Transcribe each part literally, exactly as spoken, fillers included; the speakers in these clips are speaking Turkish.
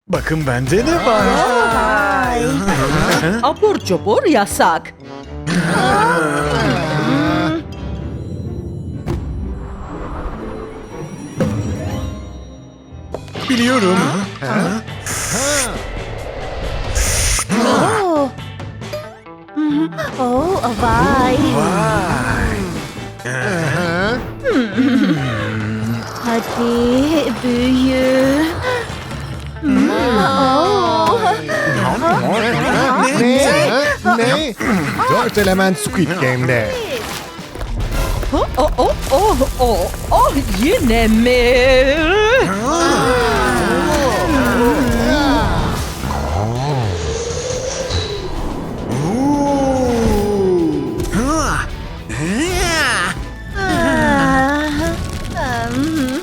Bakın bende ne var? Vay. Abur cubur yasak. Biliyorum. Oo. Oo, vay. Vay. Hadi büyü. Oo. Ne? Ne? Dört element Squid Game'de. Oh, oh, oh, oh, oh, oh, yine mi? Ha. Ah, hmm.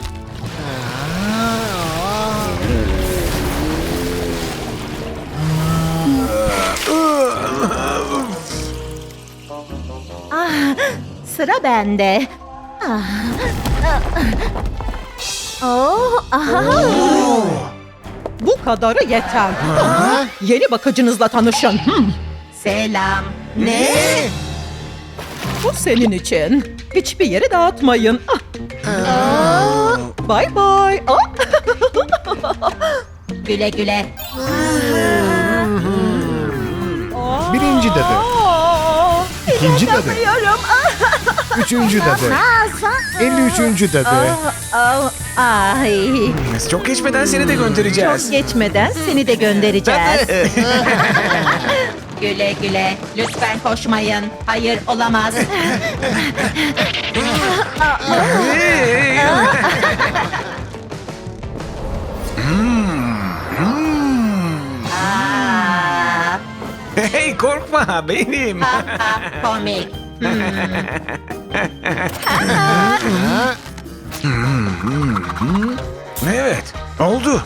Ah, sıra bende. Ah, ah. Oh, aha. Bu kadarı yeter. Yeni bakıcınızla tanışın. Hmm, Selam. Ne? Bu senin için. Hiçbir yere dağıtmayın. Ah, bye bye. Ah. Güle güle. Birinci dadı. Aa, İkinci dadı. inanamıyorum. Üçüncü dadı. elli üçüncü dadı. Oh, ay. Çok geçmeden seni de göndereceğiz. Çok geçmeden seni de göndereceğiz. Güle güle. Lütfen koşmayın. Hayır, olamaz. Hey. Aa, Hey, korkma benim. ha, ha, komik. Evet, oldu.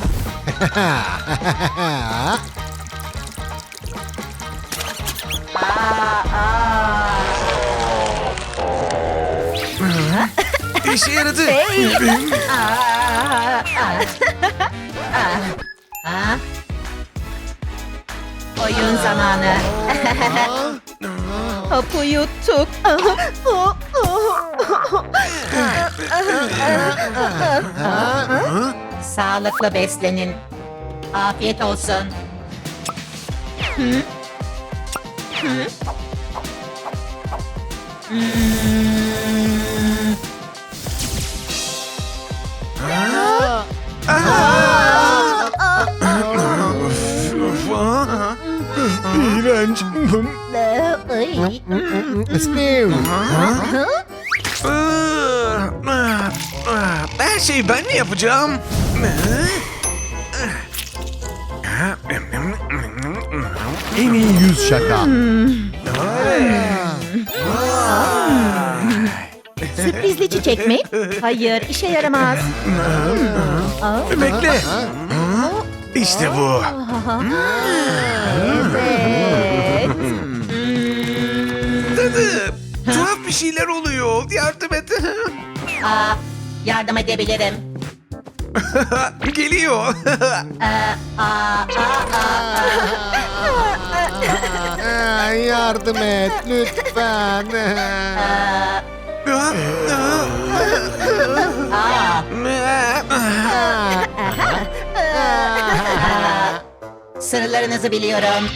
İşe yaradı. Aa, aa. Ha? Oyun zamanı. Hapı yuttuk. Sağlıklı beslenin. Afiyet olsun. İğrenç. Steve. Her şeyi ben mi yapacağım? En iyi yüz şaka. Sürprizli çiçek mi? Hayır, işe yaramaz. Bekle. İşte bu. Evet. Dadı. Tuhaf bir şeyler oluyor. Yardım et. Aa, yardım edebilirim. Geliyor. Aa, aa, Aa, yardım et lütfen. Sırlarınızı biliyorum.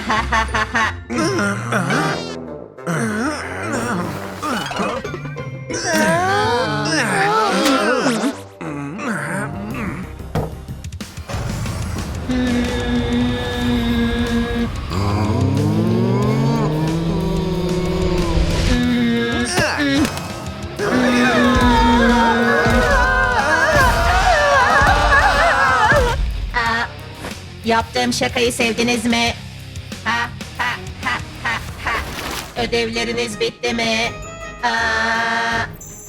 Aa, yaptığım şakayı sevdiniz mi? Ha ha ha ha ha. Ödevleriniz bitti mi? Aa,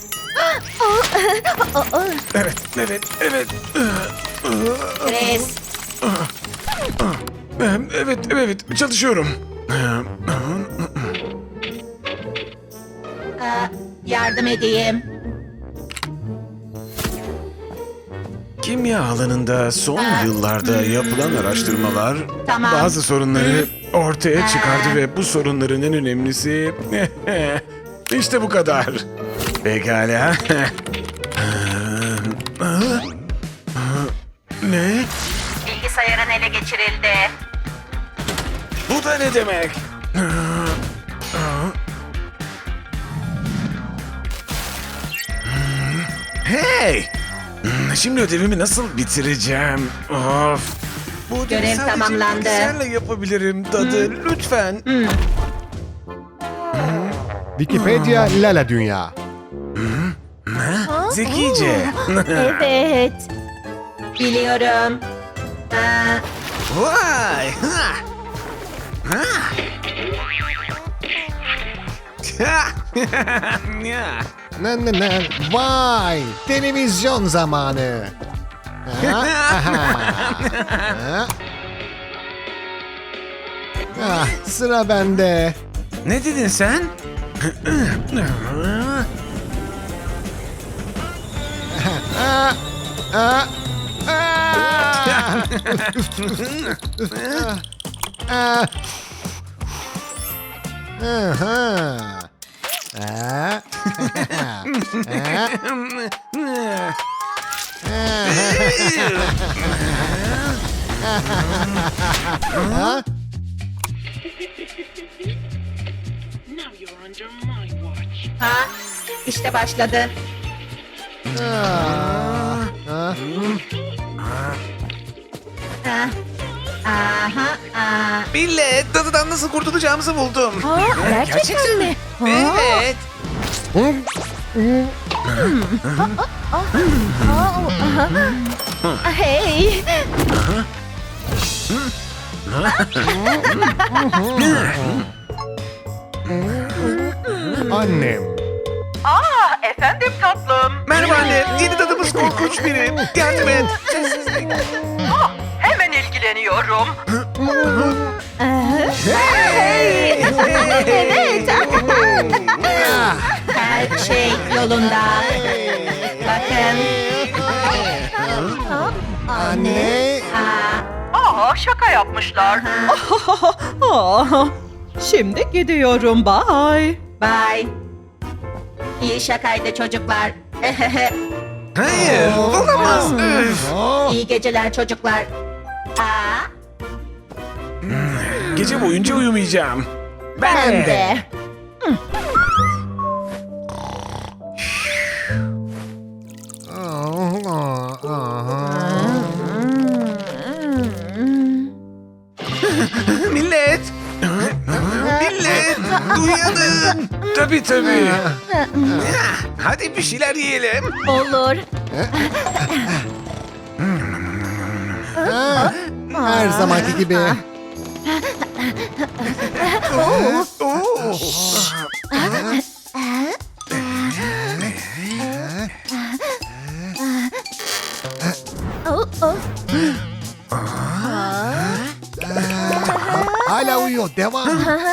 Evet, evet, evet. Chris, Evet, evet, çalışıyorum. aa, yardım edeyim. Kimya alanında son yıllarda yapılan araştırmalar Tamam. bazı sorunları ortaya çıkardı ve bu sorunların en önemlisi işte bu kadar. Pekala. Ne? Bilgisayarın ele geçirildi. Bu da ne demek? Hey! Şimdi ödevimi nasıl bitireceğim? Of! Bu ödevi Görev sadece tamamlandı. bilgisayarla yapabilirim dadı. Lütfen. Wikipedia Lala Dünya. Zekice. Evet. Biliyorum. Aa, Vay! Ha! Ha! Ya. Ne ne ne. Vay! Televizyon zamanı. Ha, aha. Ha. Ah, sıra bende. Ne dedin sen? Ah, ah, ah. Ah. Aha. Ah. Ah. ha, işte başladı. Ah. Ah. Ha. Aha, aa. Millet, dadıdan nasıl kurtulacağımızı buldum. Aa, gerçekten mi? Ha? Evet. Hey. Annem. Aa, efendim tatlım. Merhaba anne, yeni dadımız korkunç biri. Yardım et. Hemen ilgileniyorum. Evet. Her şey yolunda. Bakın. Anne. Aa, Aa, şaka yapmışlar. Aa, şimdi gidiyorum. Bye. bye. İyi şakaydı çocuklar. Hayır, olamaz. Üf. Oh. İyi geceler çocuklar. Aa, Gece boyunca uyumayacağım. ben de. Oh, oh, Millet. Millet, uyanın. Tabii tabii. Hadi bir şeyler yiyelim. Olur. oh. Her zamanki gibi. Oo. Oh, oh. Hala uyuyor. Devam.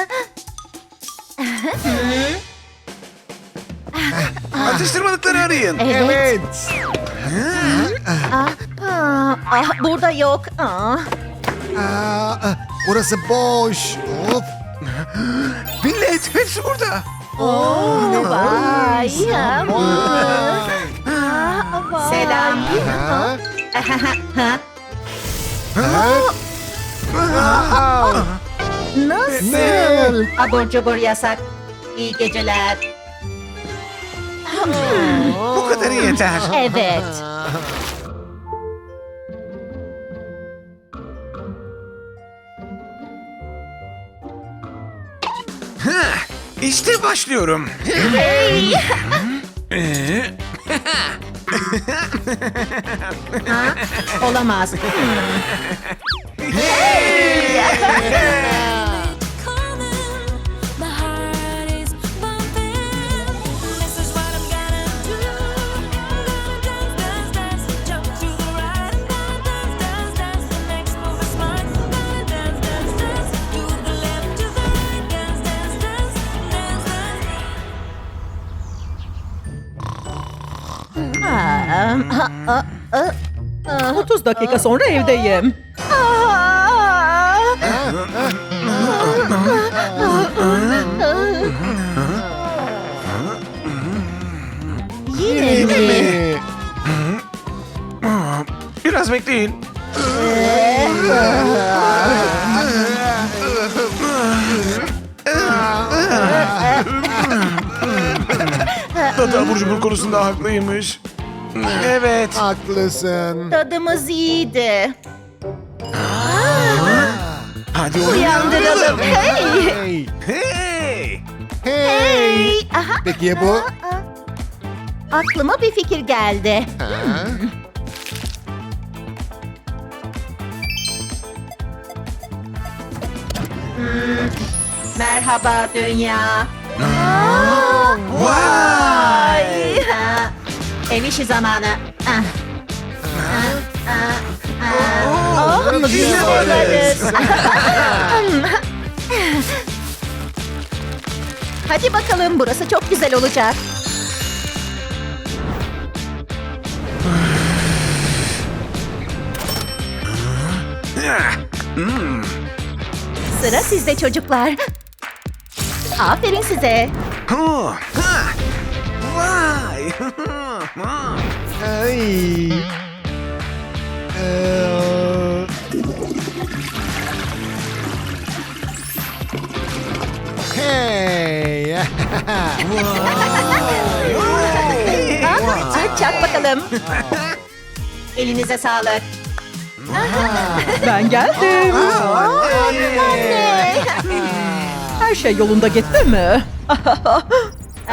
Atıştırmalıkları arayın. Evet. Evet. Ah, ah, ah, burada yok. Ah. Aa, orası boş. Of. Millet, hepsi burada. Oh, vay. Ah, vay. Selam. Ha? Ha, Ha? nasıl? Ne? Abur cubur yasak. İyi geceler. Bu kadarı yeter. Evet. İşte başlıyorum. Hey. Ee, Ha? Olamaz. My heart is bumping. This is what I'm gonna do. I'm gonna dance, dance, dance, jump to the right. I'm gonna dance, dance, dance. The next move is mine. I'm gonna dance, dance, dance, to the left, to the right. Dance, dance, dance, dance, dance. Ah, ah, ah, ah. otuz dakika sonra evdeyim. Yine mi? Ee, Biraz bekleyin. Tata abur cubur konusunda haklıymış. Evet. Haklısın. Tadımız iyiydi. Hadi onu Uyandıralım. Hey! Hey. Hey! Hey. Hey! Aha. Peki ya bu? Aklıma bir fikir geldi. Ha? Merhaba dünya. Vay! Aa, Ev işi zamanı. Ah. Ah, ah, ah. Oh, güzel oynarız. Hadi bakalım, burası çok güzel olacak. Sıra sizde çocuklar. Aferin size. Ha! Ha! Vay! Ay. Ee, Hey. Ha, çak bakalım. Elinize sağlık. Ben geldim. Anne. Her şey yolunda gitti mi? Aa,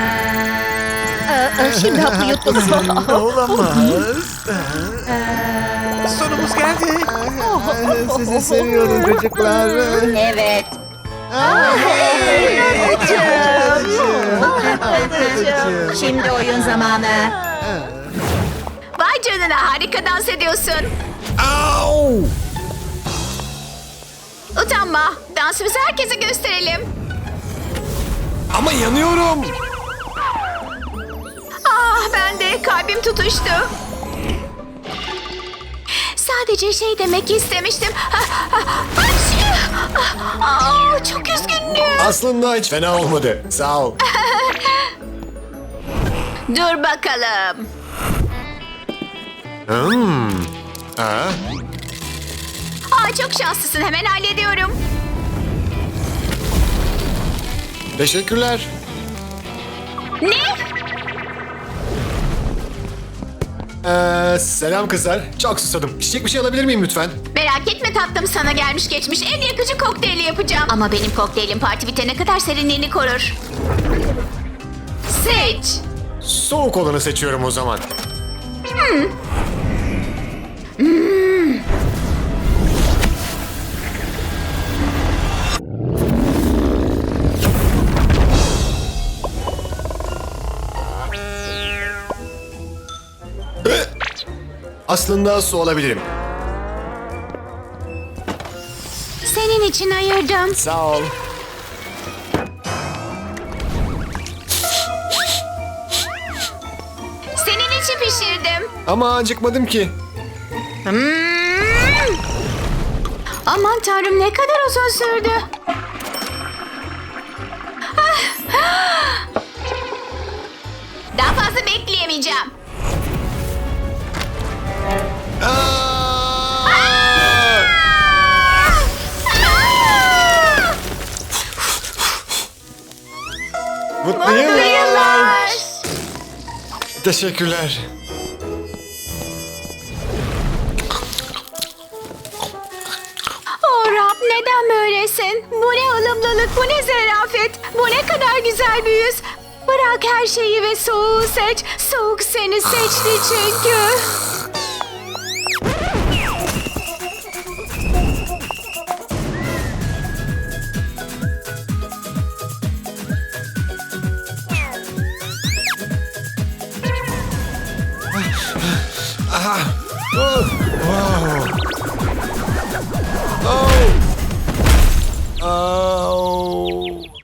aa, Şimdi hapı yuttum. Olamaz. Sonumuz geldi. Sizi seviyorum çocuklar. Evet. Şimdi oyun zamanı. Vay canına, harika dans ediyorsun. Au! Utanma, dansımızı herkese gösterelim. Ama yanıyorum. Ah, ben de kalbim tutuştu. Sadece şey demek istemiştim. Ah, ah, ah, ah, çok üzgünüm. Aslında hiç fena olmadı. Sağ ol. Dur bakalım. Hmm. Ha? Aa, çok şanslısın, hemen hallediyorum. Teşekkürler. Ne? Ee, selam kızlar. Çok susadım. İçecek bir şey alabilir miyim lütfen? Merak etme tatlım, sana gelmiş geçmiş en yakıcı kokteyli yapacağım. Ama benim kokteylim parti bitene kadar serinliğini korur. Seç. Soğuk olanı seçiyorum o zaman. Aslında su olabilirim. Senin için ayırdım. Sağ ol. Senin için pişirdim. Ama acıkmadım ki. Hmm. Aman tanrım, ne kadar uzun sürdü. Ah. Daha fazla bekleyemeyeceğim. Aa! Mutlu yıllar. Teşekkürler. Oh Rab, neden böylesin? Bu ne ılımlılık, bu ne zarafet, bu ne kadar güzel bir yüz. Bırak her şeyi ve soğuğu seç. Soğuk seni seçti çünkü. Oh. Wow. Oh. Oh.